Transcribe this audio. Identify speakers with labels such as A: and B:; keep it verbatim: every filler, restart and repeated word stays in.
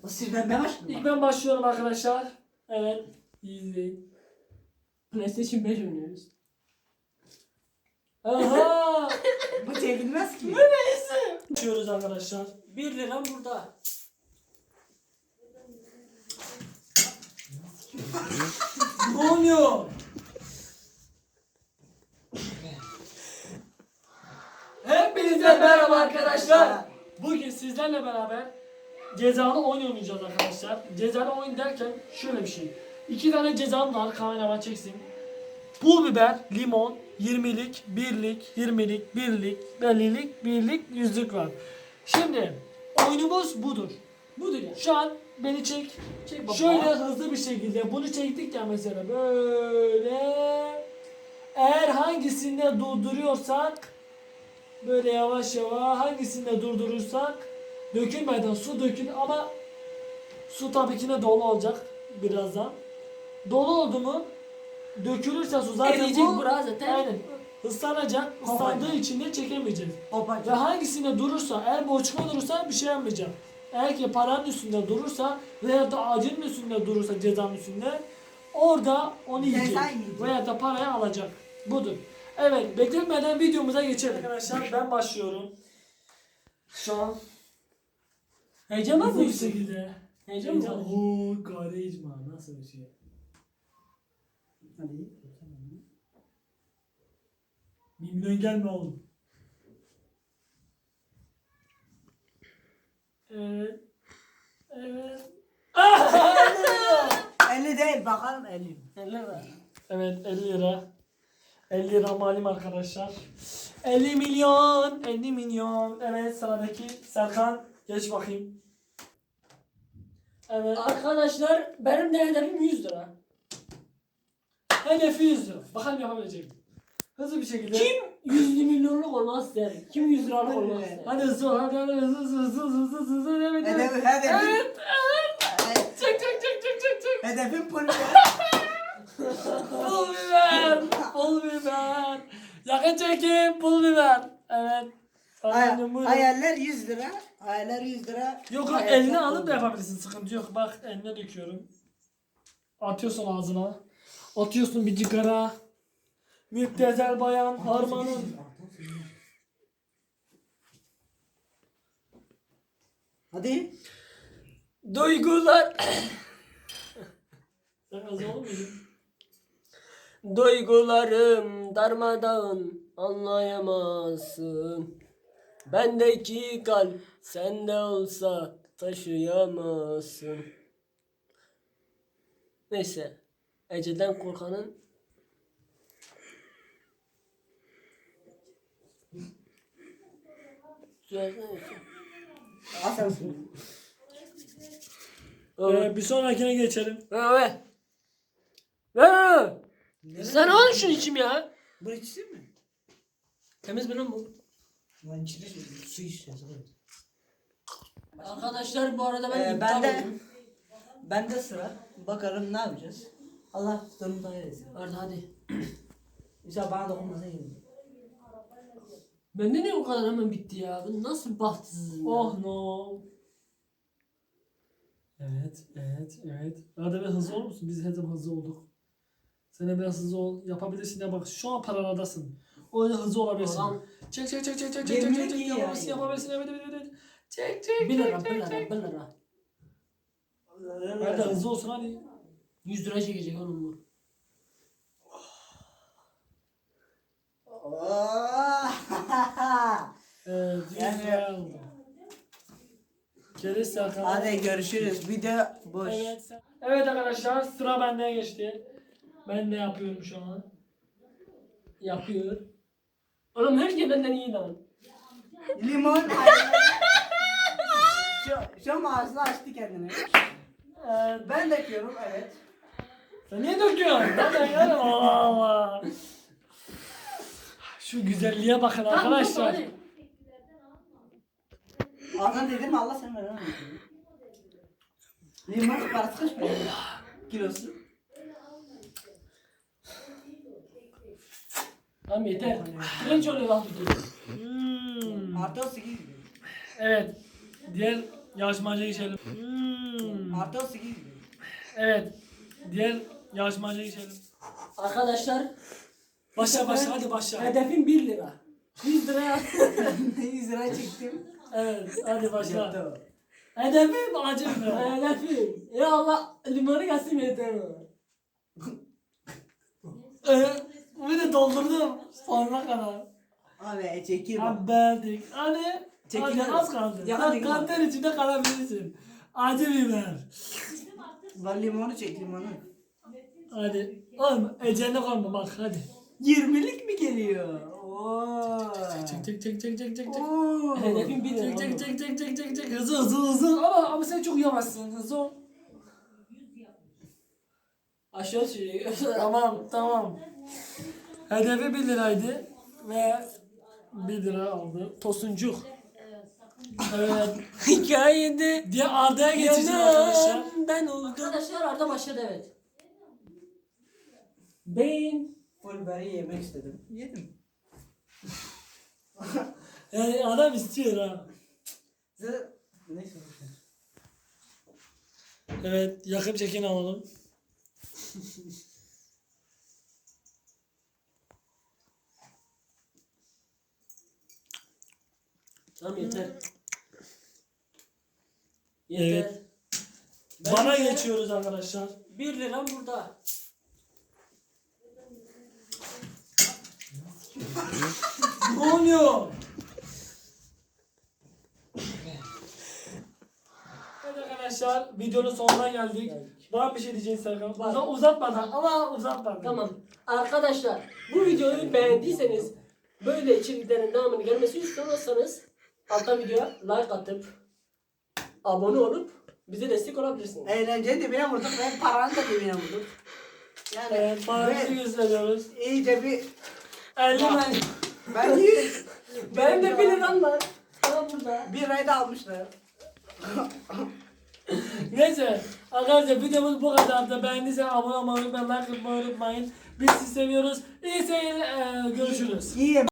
A: O sizden ben başladım.
B: İlk ben başlıyorum arkadaşlar. Evet. İyi izleyin.
C: PlayStation beş oynuyoruz.
B: Aha!
A: Bu çekilmez ki.
B: Açıyoruz arkadaşlar. bir liram burada. Ne oluyor? Hepinize merhaba arkadaşlar. Bugün sizlerle beraber cezalı oyun oynayacağız arkadaşlar. Cezalı oyun derken şöyle bir şey. İki tane cezam var, kameraman çeksin. Pul biber, limon, yirmilik, birlik, yirmilik, birlik, ellilik, birlik, yüzlük var. Şimdi oyunumuz budur.
C: Budur ya.
B: Şu an beni çek.
C: Çek baba.
B: Şöyle hızlı bir şekilde bunu çektik ya mesela böyle. Eğer hangisinde durduruyorsak böyle yavaş yavaş hangisinde durdurursak dökülmeden su dökül ama su tabii ki de dolu olacak birazdan. Dolu oldu mu dökülürse su zaten
C: Eriyecek
B: bu
C: bura zaten.
B: aynen ıslanacak. Islandığı için de çekemeyeceğiz. Ve
A: Hopacı.
B: hangisinde durursa, eğer boçma durursa bir şey yapmayacak. Eğer ki paranın üstünde durursa veya da ağacın üstünde durursa cezanın üstünde orada onu
A: Ceza
B: yiyecek.
A: yiyecek.
B: Veya da parayı alacak. Budur. Evet, bekletmeden videomuza geçelim. Arkadaşlar ben başlıyorum. Şu an
C: Heyecan var
B: hızlı bir
C: mı?
B: şekilde.
C: Heyecan
B: Heyecan.
C: mı?
B: Ooo karizma nasıl bir şey.
A: Hadi.
B: Mimden gelme oğlum. Evet. Evet.
A: elli değil bakalım elli.
B: Evet elli lira. elli lira malim arkadaşlar. elli milyon. elli milyon. Evet sıradaki Serkan. Geç bakayım. Evet.
C: Arkadaşlar benim de hedefim yüz lira.
B: Hedefi yüz lira. Bakalım yapabilecek mi? Hızlı bir şekilde.
C: Kim yüz milyonluk olmak ister? Kim yüz liralık olmak ister?
B: Hadi hızlı ol. Hadi hadi hızlı hızlı hızlı hızlı hızlı hızlı. Evet evet.
A: Hedefim, hedefim.
B: Evet evet.
A: Evet.
B: Çek çek çek çek çek çek.
A: Hedefim pul biber.
B: Pul biber. Pul biber. Yakın çekim pul biber. Evet.
A: Hay-
B: Efendim, buyurun.
A: Hayaller yüz lira. Hayaller yüz lira.
B: Yok yok
A: Hayaller
B: eline
A: pul
B: alıp da
A: biber.
B: yapabilirsin. Sıkıntı yok. Bak eline döküyorum. Atıyorsun ağzına. Atıyorsun bir cigara. Müptezel bayan harmanın.
A: Hadi.
C: Duygular.
B: Sen az olur muydun?
C: Duygularım darmadağın anlayamazsın. Bendeki kalp sende olsa taşıyamazsın. Neyse. Ece'den korkanın Söylesene.
A: Asansın.
B: Ee, bir sonrakine geçelim.
C: Evet. Evet. Sen al şunu içim ya.
A: Bu içsin mi?
C: Temiz mi lan bu?
A: Lan içine su içeceğiz.
C: Arkadaşlar bu arada ben
A: Ee,
C: iptal
A: ben de
C: oldum.
A: ben de sıra. Bakalım ne yapacağız. Allah sonunda eylesin.
C: Hadi hadi.
A: İnşallah bana dokunmasa iyi.
C: Bende niye o kadar hemen bitti ya? Ben nasıl bir bahtsızım ya?
B: Oh no. Evet, evet, evet. Arada bir hızlı olur musun? Biz her zaman hızlı olduk. Sen de biraz hızlı ol. Yapabilirsin ya bak. Şu an paralardasın. O yüzden hızlı olabilirsin.
C: Adam
B: Çek çek çek çek çek çek
A: Yemin
B: çek çek
A: iyi ya,
B: yapabilirsin
A: iyi.
B: yapabilirsin evet evet evet. Çek çek
C: bir lira
B: çek
C: bir
B: çek
C: lira
B: çek.
C: bir lira.
B: Hadi hızlı olsun hadi.
C: yüz lira çekecek oğlum bu.
A: Oh.
B: Evet yüz
A: Yani-
B: lira oldu. Keriz Serkan.
A: Hadi görüşürüz. Video boş.
B: Evet, sen- evet arkadaşlar sıra bende geçti. Ben de yapıyorum şu an. Yapıyor.
C: Oğlum her şey benden iyi lan.
A: Limon. şu, şu an ağzını açtı kendine.
B: Evet.
A: Ben döküyorum evet.
B: Sen niye döküyorsun? Ben de yarım Allah Allah. Şu güzelliğe bakın arkadaşlar.
C: Hadi.
A: Ağzına dedim Allah sen ver. Limon parası kaç para? Kilosu.
C: Tamam yeter. Direnç oluyor lan tutuyor.
B: Hmm.
A: Artı o sekiz.
B: Evet. Diğer yarışmacıya geçelim. Hmm.
A: Artı on sekiz.
B: Evet. Diğer yarışmacıya geçelim.
C: Arkadaşlar
B: Başla başla hadi başla.
C: hedefim bir lira. yüz lira.
A: yüz lira çektim.
B: Evet hadi başla.
A: Yaptım.
B: Hedefim acı biber.
C: Hedefim. Ya Allah limonu gelsin yeter o.
B: Ee, bir de doldurdum. Sonuna kadar.
A: Abi çekeyim.
B: Haberdik. Hadi.
A: Çekil
B: Hadi
A: hadi.
B: az kaldı.
A: Ya
B: Bak
A: hadi.
B: kanter içinde kalabilirsin. Acı biber.
A: Ben limonu çek limonu.
B: Hadi. Oğlum ecelle kalma bak hadi.
A: yirmilik mi geliyor? Oo.
B: Çek çek çek çek çek çek çek.
A: Oo.
C: Hedefim bir lira.
B: Çek çek çek çek çek çek çek. Hızlı hızlı hızlı. Ama ama sen çok yavaşsın. Hızlı ol.
C: Aşağı sürüyor.
B: Tamam tamam. Hedefi bir liraydı ve bir lira aldı. Tosuncuk. Evet.
C: Hikayede
B: Diye Arda'ya geçeceğiz arkadaşlar.
C: ben oldum. Arkadaşlar Arda başladı evet. Ben
A: Full beri yemek istedim. Yedim.
B: Yani adam istiyor ha.
A: Zaten neyse.
B: Evet yakın çekin alalım.
C: Tamam yeter.
B: Evet.
C: Yeter.
B: Bana
C: Bence
B: geçiyoruz arkadaşlar.
C: bir liram burada.
B: Ne oluyor? Evet arkadaşlar videonun sonuna geldik. Var bir şey diyeceğin Serkan?
C: Var.
B: Uza- Uzatmadan ama uzatmadan.
C: Tamam. Arkadaşlar bu videoyu beğendiyseniz böyle içeriklerin devamını gelmesi istiyorsanız altta videoya like atıp abone olup bize destek olabilirsiniz.
A: Eğlenceyi dibine vurduk ve paranı da dibine vurduk. Yani
B: Evet, paramızı
A: ve
B: gösteriyoruz.
A: iyice bir
B: elli
A: Bak.
B: ben.
A: ben yüz
C: Benim de bir liram var. Tamam burada.
A: bir ay da almışlar.
B: Neyse arkadaşlar videomuz bu kadardı. Beğendiyseniz abone olmayı unutmayın, like atmayı unutmayın. Biz sizi seviyoruz. İyi seyirler. Ee, görüşürüz.
A: İyi